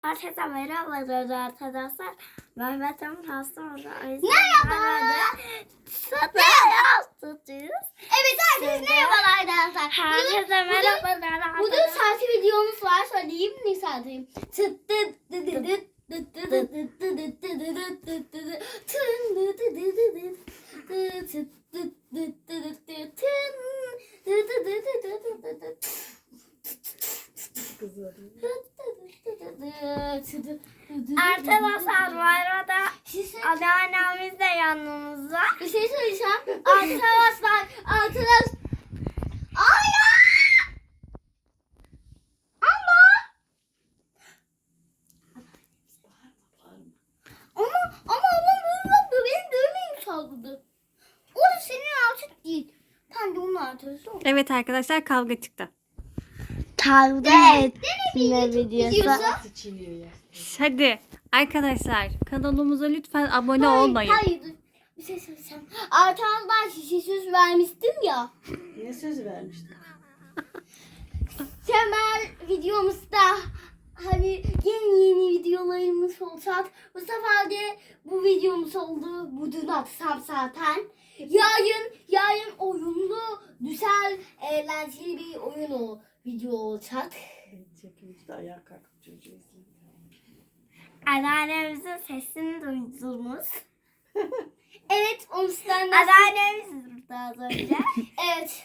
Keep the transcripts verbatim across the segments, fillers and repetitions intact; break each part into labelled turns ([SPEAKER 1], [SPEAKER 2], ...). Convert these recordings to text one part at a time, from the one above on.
[SPEAKER 1] Herkese merhabalar arkadaşlar. Mehmet Emin hasta oldu.
[SPEAKER 2] Merhaba.
[SPEAKER 1] Sana tutuyuz.
[SPEAKER 2] Evet herkese merhabalar arkadaşlar.
[SPEAKER 1] Herkese merhabalar.
[SPEAKER 2] Bugün saati videomuz var. Söyleyeyim ne saatiyim?
[SPEAKER 1] Arkadaşlar bu arada anneannemiz de yanımızda.
[SPEAKER 2] Bir şey söyleyeceğim. Arkadaşlar, arkadaş. Ay ya! Ama. Ama ama ablam böyle yapıyor. Benim dövmeyi saldırdı. O da senin artık değil. Tam da onun artısı o.
[SPEAKER 3] Evet arkadaşlar, kavga çıktı.
[SPEAKER 1] Kavga
[SPEAKER 2] Evet.
[SPEAKER 1] etme videosu.
[SPEAKER 3] Hadi arkadaşlar, kanalımıza lütfen abone
[SPEAKER 2] Hayır,
[SPEAKER 3] olmayın.
[SPEAKER 2] Hayır, dur. Bir şey söyleyeceğim. Arkadaşlar size söz vermiştim ya.
[SPEAKER 4] Ne söz vermiştin?
[SPEAKER 2] Temel videomuzda hani yeni yeni videolarımız olacak. Bu sefer de bu videomuz oldu. Bu dün atsam zaten. Yarın, yarın oyunlu, güzel, eğlenceli bir oyun o video olacak.
[SPEAKER 4] Çekimizde ayağa kalkıp çocuğu izledim.
[SPEAKER 1] Anneannemizin sesini duydunuz.
[SPEAKER 2] Evet, onu sizden de...
[SPEAKER 1] Anneannemiz burada az önce.
[SPEAKER 2] Evet.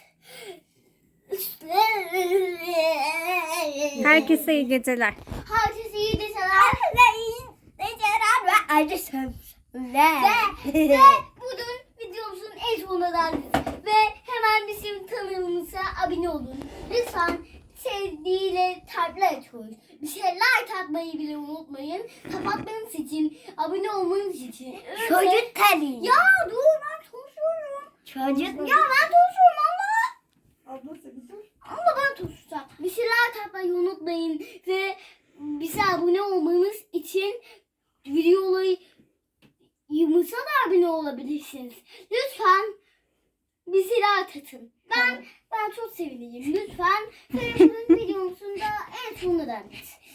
[SPEAKER 3] Herkese iyi geceler.
[SPEAKER 2] Herkese iyi geceler.
[SPEAKER 1] Herkese iyi geceler ve acı sözler.
[SPEAKER 2] Ve, ve bugün videomuzun en sonuna geldik. Ve hemen bizim kanalımıza abone olun. Lütfen sevdiğiyle kalpler açıyoruz. Bir şey like atmayı bile unutmayın. Kapatmanız için, abone olmanız için.
[SPEAKER 1] Çocuk tabii.
[SPEAKER 2] Ya dur ben konuşuyorum.
[SPEAKER 1] Çocuk.
[SPEAKER 2] Ya ben konuşuyorum Allah.
[SPEAKER 4] Abla seni dur.
[SPEAKER 2] Ama ben konuşacağım. Bir şey like atmayı unutmayın. Ve bize abone olmanız için videoları yumurta da abone olabilirsiniz. Lütfen bizi like atın. Ben ben çok sevineceğim. Lütfen videomuzun da en sonuna geldik.